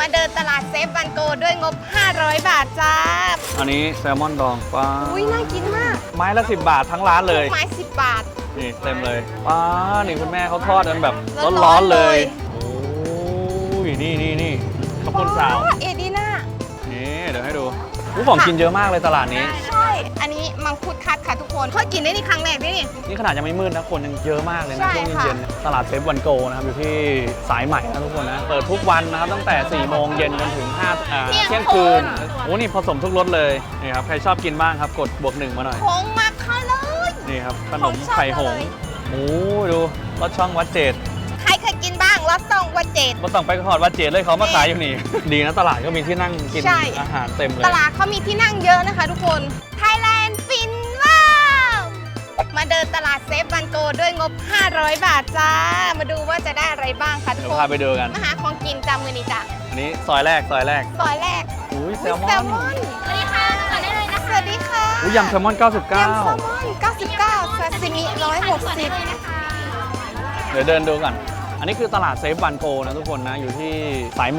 มาเดินตลาดเซฟวันโกด้วยงบ 500 บาทจ้าอันนี้แซลมอนดองป้าอุ้ยน่ากินมากไม้ละ10 บาททั้งร้านเลยไม้10 บาทนี่เต็มเลยป้านี่คุณแม่เขาทอดกันแบบร้ร้ออน นๆๆเลยเลยโอ้ยนี่ข้าวปุ้นสาวเอดีน่านี่เดี๋ยวให้ดูของกินเยอะมากเลยตลาดนี้ใช่ อันนี้มังคุดคัดค่ะทุกคนเคยกินได้นี่ครั้งแรกด้วยนี่นี่ขนาดยังไม่มืดนะคนยังเยอะมากเลยนะใช่ช่วงค่ะเย็นๆตลาดเซฟวันโกนะครับอยู่ที่สายใหม่นะทุกคนนะเปิดทุกวันนะครับตั้งแต่4 โมงเย็นจนถึงเที่ยงคืนโอ้นี่ผสมทุกรสเลยนี่ครับใครชอบกินบ้างครับกด+1มาหน่อยผงมักเข้าเลยนี่ครับขนมไข่หงส์ โอ้ดูรสช่องวัดเจดใครเคยกินบ้างรสซองวัดเจดมาต้องไปขอดวัดเจดเลยเขามาขายอยู่นี่ ดีนะตลาดก็มีที่นั่งกินใช่อาหารเต็มเลยตลาดเขามีที่นั่งเยอะนะคะทุกคน Thailand ฟินว้าวมาเดินตลาดเซฟวันโกด้วยงบ 500 บาทจ้า มาดูว่าจะได้อะไรบ้างคะทุกเดี๋ยวคนพาไปดูกันมาหาของกินจำมือนี้จ้ะอันนี้ซอยแรกซอยแรกอุ้ยแซลมแซอลนมอน สวัสดีค่ะต่อได้เลยนะคะสวัสดีค่ะอุ้ยยำแซลมอนยำแซลมอน99ซาซิมิ160 99 เดี๋ยวเดินดูก่อน อันนี้คือตลาดเซฟวันโกนะทุกคนนะอยู่ที่สายไหม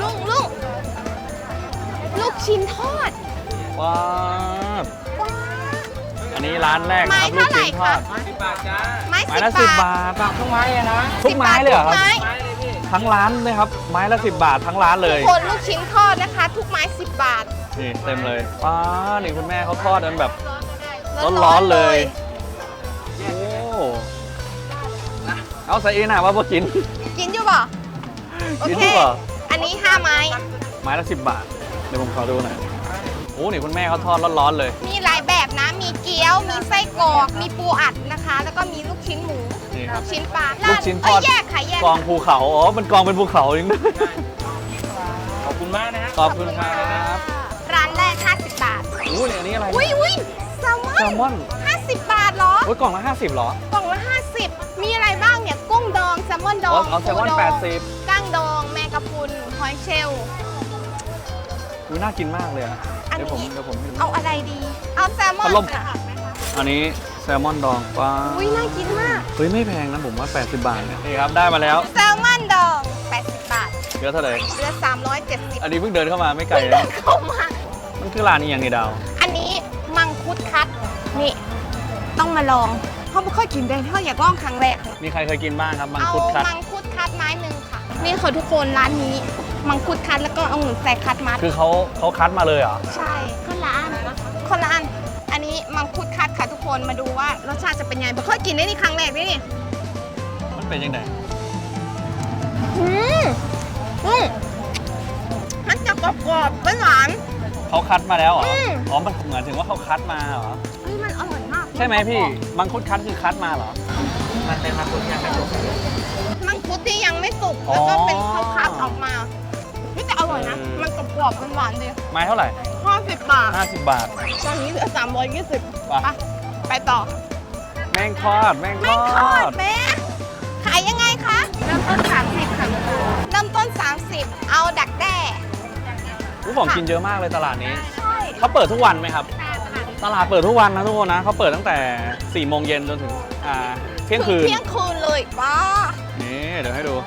ลูกชิ้นทอดว้าวว้าอันนี้ร้านแรกคไม้รับลูกเท่าไหร่ชิ้นทอดคะ 10 บาทจ้าไม้ไม้ 10 ละบาท 10 บาททุกไม้อะนะทุกไม้เลยเหรอครับทุกไม้ไม้เลยพี่ทั้งร้านเลยครับไม้ละ10 บาททั้งร้านเลยคนลูกชิ้นทอดนะคะ ทุกไม้ 10 บาทนี่เต็มเลยป้านี่คุณแม่เขาทอดกันแบบ ร้อนๆเลย โอ้เอาใส่เองนะว่าพอกินกินอยู่ป่ะโอกินเคดีกว่าอันนี้ 5 ไม้ไม้ละ10 บาท เดี๋ยวผมขอดูหน่อยโอ้นี่คุณแม่เขาทอดร้อนๆเลยมีหลายแบบนะ มีเกี๊ยว มีไส้กรอก มีปูอัดนะคะ แล้วก็มีลูกชิ้นหมูนี่ครับลูกชิ้นปลาลูกชิ้นทอดแยกค่ะแยกกองภูเขา อ๋อ มันกองเป็นภูเขาจริงด้วยขอบคุณมากนะฮะขอบคุณครับร้านแรก 50 บาทโอ้นี่อันนี้อะไรอุ้ยแซลมแซลมออนน50 บาทเหรอโอ้ยกล่องละ50เหรอกล่องละ 50 มีอะไรบ้างเนี่ย กุ้งดอง แซลมอนดองเอาแซลมอนปูดง 80 กั้งดอง แมงกะพรุน หอยเชลล์อุ้ยน่ากินมากเลยอะอันเดี๋ยวผมนี้ให้ดูเอาอะไรดี เอาแซลมอนพัดลมค่ะอันนี้แซลมอนดองป้าอุ้ยน่ากินมากเฮ้ยไม่แพงนะผมว่า 80 บาทเนี่ยนี่ครับได้มาแล้วแซลมอนดอง 80 บาทเยอะเท่าไหร่เหลือ370 อันนี้เพิ่งเดินเข้ามาไม่ไกลเดินะนเข้ามามันคือร้านนี้อย่างนี้ดาวอันนี้มังคุดคัด นี่ ต้องมาลองเขาไม่ค่อยกินได้เขาอยากลองครั้งแรกมีใครเคยกินบ้างครับมังเอาคุดคัดมังคุดคัดไม้หนึ่งค่ะ นี่ค่ะทุกคนร้านนี้ มังคุดคัดแล้วก็เอาหมูใส่คัดมัดคือเขาคัดมาเลยเหรอใช่คนละอันคนละอัน อันนี้มังคุดคัดค่ะทุกคนมาดูว่ารสชาติจะเป็นไงไม่ค่อยกินได้นี่ครั้งแรกด้วยนี่มันเป็นยังไงอืมมันจะกรอบๆหวานเขาคัดมาแล้วเหรออืมอ๋อมันเหมือนถึงว่าเขาคัดมาเหรอๆเฮ้ยมันอร่อยมากใช่ไหมพี่ มังคุดคัดคือคัดมาเหรอมันเป็นมาคุณยังไม่จบมังคุดที่ยังไม่สุกแล้วก็เป็นข้าวคัดออกมานี่แต่อร่อยนะ มันกรอบๆหวานๆดีไม้เท่าไหร่ 50 บาท 50 บาทตอนนี้เหลือ320 ไปไปต่อแม่งทอด แม่งแม่ทงอทอดดแม่ขายยังไงคะ เริ่มต้น 30 ค่ะ เริ่มต้น 30 เอาดักแด้ของกินเยอะมากเลยตลาดนี้ใช่เขาเปิดทุกวันไหมครับ ตลาดเปิดทุกวันนะทุกคนนะเขาเปิดตั้งแต่ 4 โมงเย็นจนถึงเที่ยงคืนเที่ยงคืนเลยป้านี่เดี๋ยวให้ดู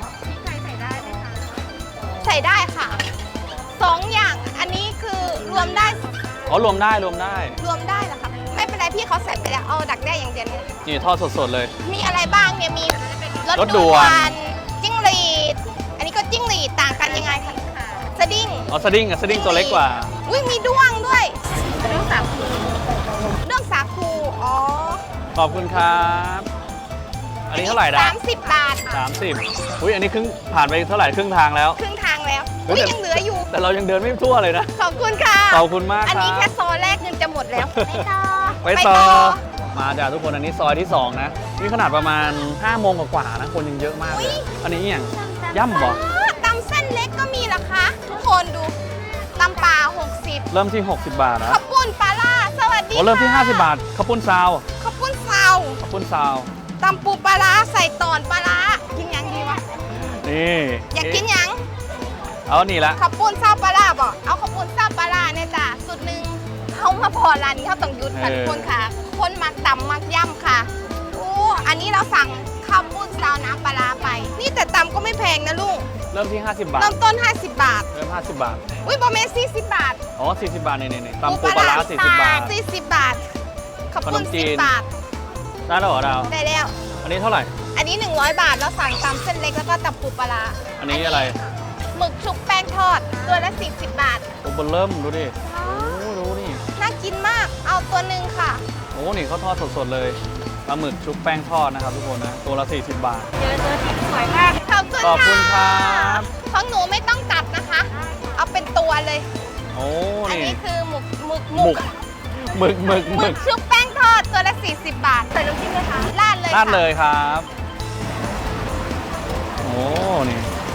ใส่ได้ค่ะ 2 อย่าง อันนี้คือรวมได้อ๋อรวมได้รวมได้รวมได้เหรอคะไม่เป็นไรพี่เขาใส่ไปแล้ว เอาดักแด้อย่างเดียวเนี่ยนี่ทอดสดๆเลยมีอะไรบ้างเนี่ย มีรถด่วนจิ้งหรีด อันนี้ก็จิ้งหรีดต่างกันยังไงคะสดิ้งอ๋อสดิ้งสดิ้งตัวเล็กกว่าอุ้ยมีด้วงด้วยเรื่องสาคูอ๋อขอบคุณครับ อันนี้เท่าไหร่นะ 30 บาท 30อุ้ยอันนี้ผ่านไปเท่าไหร่ครึ่งทางแล้วครึ่งทางแล้วเฮ้อุ้ยยแต่ยังเหลืออยู่แต่เรายังเดินไม่ทั่วเลยนะขอบคุณค่ะขอบคุณมากอันครันี้แค่บซอยแรกเงินจะหมดแล้วไปต่อ มาจ้ะทุกคนอันนี้ซอยที่ 2 นะ นี่ขนาดประมาณ 5 โมงกว่าๆนะ คนยังเยอะมากเลย อันนี้อย่างย่ำบ่ตำเส้นเล็กก็มีเหรอคะ ทุกคนดูตำปลา60 เริ่มที่ 60 บาทนะข้าวปุ้นปลาล่าสวัสดีโอ้เริ่มที่ค่ะ 50 บาทข้าวปุ้นซาวข้าวปุ้นซาวข้าวปุ้นซาวตำปูปลาร้าใส่ตอนปลาร้ากินยังดีวะนี่อยากกินยังเอานี่ละข้าวปุ้นซาวปลาร้าบอกเอาข้าวปุ้นซาวปลาร้าเนี่ยจ้ะสุดหนึ่งเขามาพอร้านนี้เขาต้องหยุดค่ะทุกคนค่ะ คนมักตำมักย่ำค่ะโอ้อันนี้เราสั่งข้าวปุ้นซาวน้ำปลาร้าไป นี่แต่ตำก็ไม่แพงนะลุงเริ่มที่ 50 บาทเริ่มต้น 50 บาทเริ่ม 50 บาทอุ้ยบอเมน40 บาทอ๋อ40 บาทนี่ตำปูปลาร้า40 บาท 40 บาทขอบขนคุณมจีน 10 บาทได้แล้วเหรอดาวได้แล้วอันนี้เท่าไหร่อันนี้ 100 บาทแล้วสั่งตำเส้นเล็กแล้วก็ตำปูปลาร้าอันนี้อะไรหมึกชุบแป้งทอด ตัวละ40 บาทโอ้เบนเริ่มดูดิโอ้ดูนี่น่ากินมาก เอาตัวหนึ่งค่ะโอ้นี่เขาทอดสดๆเลยปลาหมึกชุบแป้งทอดนะครับทุกคนนะตัวละ40 บาทเจอที่สวยมากขอบคุณครับของหนูไม่ต้องตัดนะคะ เอาเป็นตัวเลยโอ้อันนี่นี้คือหมึกหมึกชุบแป้งทอดตัวละ40 บาท ใส่น้ำจิ้มเลยค่ะราดเลยราดค่ะเลยครับ โอ้นี่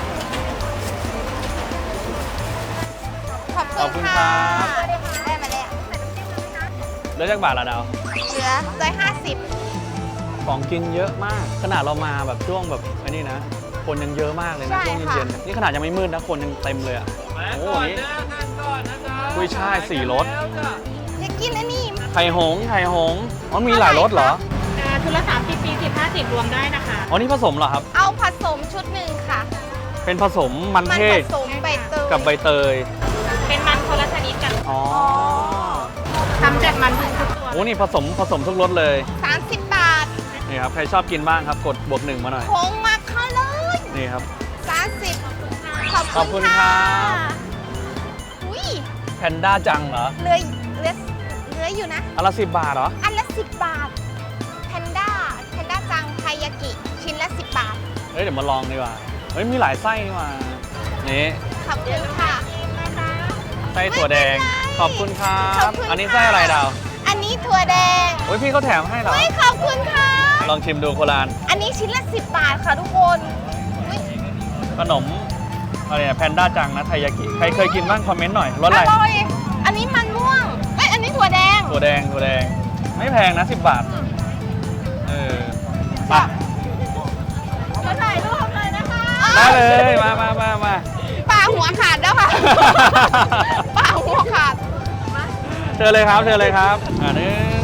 ขอบขอบคุคุณณค่ะครับได้มาแล้วเหลือจากบาทละดาวเหลือ150 ของกินเยอะมาก ขนาดเรามาแบบช่วงแบบไอ้นี่นะ คนยังเยอะมากเลยนะใช่ช่วงค่ะเย็นๆนี่ขนาดยังไม่มืดนะคนยังเต็มเลยอ่ะโอ้นี่กุ้ยช่าย4 รสอยากกินอันนี้ไข่หงส์อ๋อมีหลายรสเหรอชุดละ30 40 50 รวมได้นะคะอ๋อนี่ผสมเหรอครับเอาผสมชุดหนึ่งค่ะเป็นผสมมันมันเทผศสมใบเตยกับใบเตยเป็นมันคนละชนิดกันอ๋อทำจากมันทุกตัวโอ้นี่ผสมทุกรสเลย 30 บาทนี่ครับใครชอบกินบ้างครับกดบวก1มาหน่อยโค้งมาเข้าเลยนี่ครับ 30 ขอบคุณค่ะครับอุ้ยแพนด้าจังเหรอเหลืออยู่นะอันละ10 บาทเหรออันละ 10 บาท แพนด้าจังไทยากิ ชิ้นละ 10 บาทเฮ้ยเดี๋ยวมาลองดีกว่า เฮ้ยมีหลายไส้นี่หว่า นี่ขอบคุณค่ะไส้ถั่วแดงไม่เป็นไรขอบคุณครัขอบบ คุณอันนี้ค่ะไส้อะไรดาวอันนี้ถั่วแดงโอ้ยพี่เขาแถมให้เหรอเฮ้ยขอบคุณค่ะลองชิมดูโครานอันนี้ชิ้นละ 10 บาทค่ะทุกคนอุ๊ยขนมอะไรเนี่ยแพนด้าจังนะไทยากิ ใครเคยกินบ้างคอมเมนต์หน่อย รสออะไรร่อย อันนี้มันม่วงเอ้ยอันนี้ถั่วแดงถั่วแดง ไม่แพงนะ 10 บาท เออไปมาถ่ายรูปเลยนะคะได้เลย มาปลาหัวขาดแล้ว ค่ะ ปลาหัวขาดเชิญเลยครับ1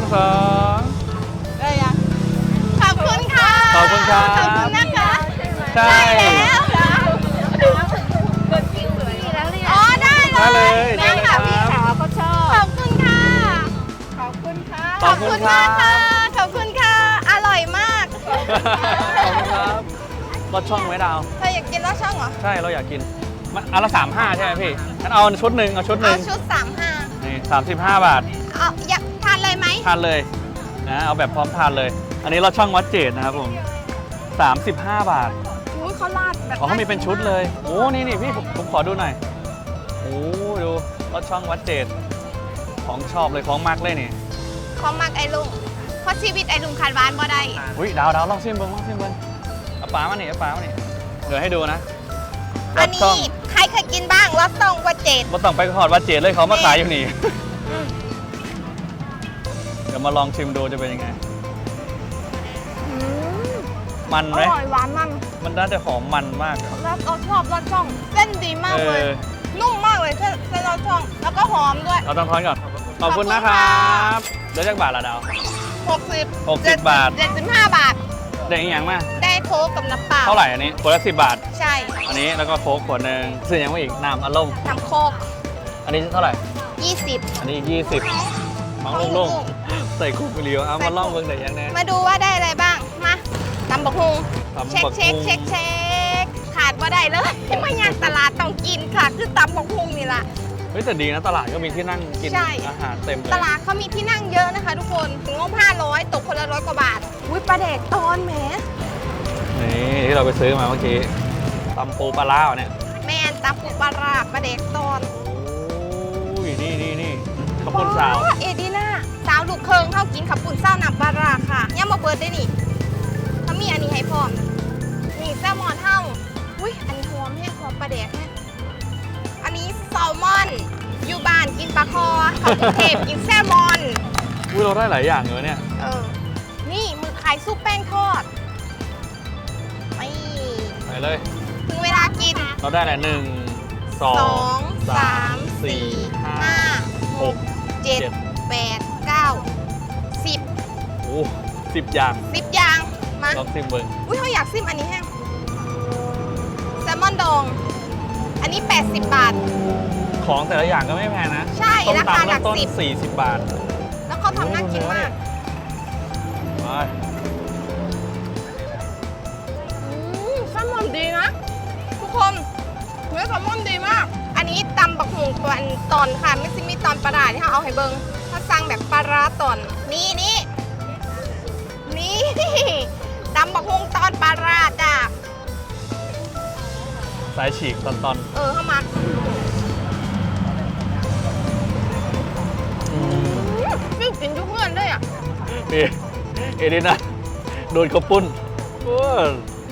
2 ได้ยังขอบคุณค่ะขอบคุณครับขอบคุณนะคะใช่ได้แล้วอ๋อได้เลยได้เลยได้ค่ะได้พี่เลยครับขาวเขาชอบขอบคุณค่ะ ขอบคุณค่ะขอบคุณครับมากค่ะ ขอบคุณค่ะ อร่อยมากขอบคุณครับรสช่องไหมดาวเธออยากกินรสช่องเหรอใช่เราอยากกินมันอันละ35 ใช่ไหมพี่งั้นเอาชุดหนึ่งเอาชุด 35 นี่35 บาทเอาอยากทานเลยไหมทานเลยนะเอาแบบพร้อมทานเลย อันนี้เราช่องวัดเจดนะครับผม35 บาทอุ้ยเขาราดแบบอ๋อเขามีเป็นชุดเลยโอ้นี่พี่ผมขอดูหน่อยโอ้ดูรสช่องวัดเจดของชอบเลยของมากเลยนี่ของมักไอ้ลุงเพราะชีวิตไอ้ลุงขาดหวานบ่ได้อุ้ยดาวลองชิมเบิ้งเอาปลามานี่เดี๋ยวให้ดูนะรอันสช่นี้องใครเคยกินบ้างรสช่องวัดเจดมาต้องไปขอดวัดเจดเลยเขามาขายอยู่นี่ เดี๋ยวมาลองชิมดูจะเป็นยังไง มันอไหมร่อยหวานมันมันน่าจะหอมมันมากอะแล้วเราชอบรสช่องเส้นดีมากเลย นุ่มมากเลยเส้นรสช่อง แล้วก็หอมด้วยเราต้องทอนก่อน ขอบคุณนะคขอบรัคุณค่ะบเดี๋ยวจากบาทละดาว 60 60 บาท 75 บาทได้อีกอย่างมาได้โค้กกับน้ำเปล่าเท่าไหร่อันนี้ขวดละ10 บาทใช่อันนี้แล้วก็โค้กขวดหนึ่งซื้อยังไม่อีกน้ำอารมณ์น้ำโค้กอันนี้เท่าไหร่ 20 อันนี้อีก20มังลงๆใส่คุกเรียวเอามาล่องเบิ่งได้ยังแน่มาดูว่าได้อะไรบ้าง มาตำบักฮุงตำเช็คบักเช็คหุ่งเช็คเช็คขาดว่าได้เลย ไม่ยากตลาดต้องกินค่ะ คือตำบักฮุงนี่แหละเฮ้ยแต่ดีนะตลาดก็มีที่นั่งกินใช่อาหารเต็มเลยตลาดเขามีที่นั่งเยอะนะคะทุกคนงบ500 ตกคนละ100 กว่าบาท อุ้ยปลาแดกตอนแหมนี่ที่เราไปซื้อมาเมื่อกี้ตำปูปลาร้าเนี่ยแมนตำปูปลาร้าปลาแดกตอนโอ้ยนี่ขอบคุณสาวเอดีน่าสาวลูกเคิงเข้ากินขับปุ่นเศร้าหนับปลาร้าค่ะย่ามาเปิดได้นี่เขามีอันนี้ให้พร้อมนี่แซลมอนเท่าอุ้ยอันนี้หอมแห้งหอมปลาแดกแห้งอันนี้แซลมอนอยู่บ้านกินปลาคอเขากรุงเทพกินแซลมอนอุ้ยเราได้หลายอย่างเลยเนี่ยนี่มือขายซุปแป้งทอดไม่ไปเลยถึงเวลากินเราได้แหละ1 2 2 3 4 5 6 7 8 9 10 โอ้10 อย่าง 10 อย่างมาลองซิมเบิ้งอุ้ยเขาอยากซิมอันนี้แห้งแซลมอนดอง อันนี้ 80 บาทของแต่ละอย่างก็ไม่แพงนะใช่ต้มราคาตำหลัเริ่กมต้นสิบ 40 บาทแล้วเขาทำน่ากินมากไปแซลมอนดีนะ ทุกคนเนื้อแซลมอนดีมาก อันนี้ตำบักหุงตัวตอนค่ะไม่ซิมีตอนปลาร้าที่เขาเอาให้เบิงถ้าสั่งแบบปลาร้าตอนนี่ตำบักหุงตอนปลาร้าจ้ะสายฉีกตอนเข้ามา ฟิวกินทุกเพื่อนเลยอ่ะๆนี่เอดินะโดนข้าวปุ้นโอ้ย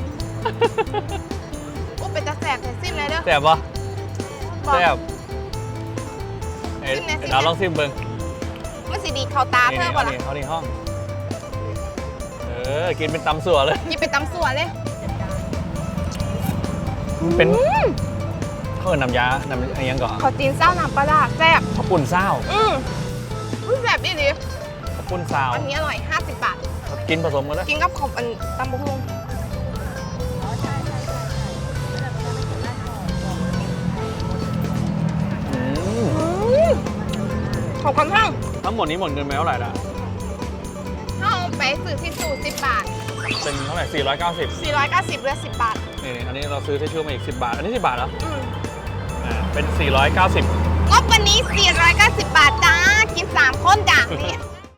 โอ้เป็นตาแสบแต่สิ้นเลยเด้อแซ่บปะบอกแซ่บเอ็ดซิมแน่ซิมแน่เราลองซิมเบิ้งมันสีดีเข้าตานี่เธอนี่ก่อเอานละนี่เขานี่ห้อง กินเป็นตำสัวเลยยิบไปตำสวนเลยมันเป็นข้าวน้ำยาน้ำอะไรยังก่อนขอจีนเศร้าน้ำปลาร้าแซ่บข้าวปุ้นเศร้าอุ้ยแซ่บดีดีข้าวปุ้นเศร้าอันนี้อร่อย 50 บาทกินผสมกันแล้วกินกับขอบอันตำบักหุ่งขอบคุณทั้งทั้งหมดนี้หมดเงินไปเท่าไหร่ละเอาไปซื้อที่สูตร10 บาทเป็นเท่าไหร่490 490เหลือ10 บาทนี่อันนี้เราซื้อที่ชื่อมาอีก10 บาท อันนี้10 บาทแล้วอืมเป็น490 งบวันนี้ 490 บาทจ้า กิน 3 คนจ้ะนี่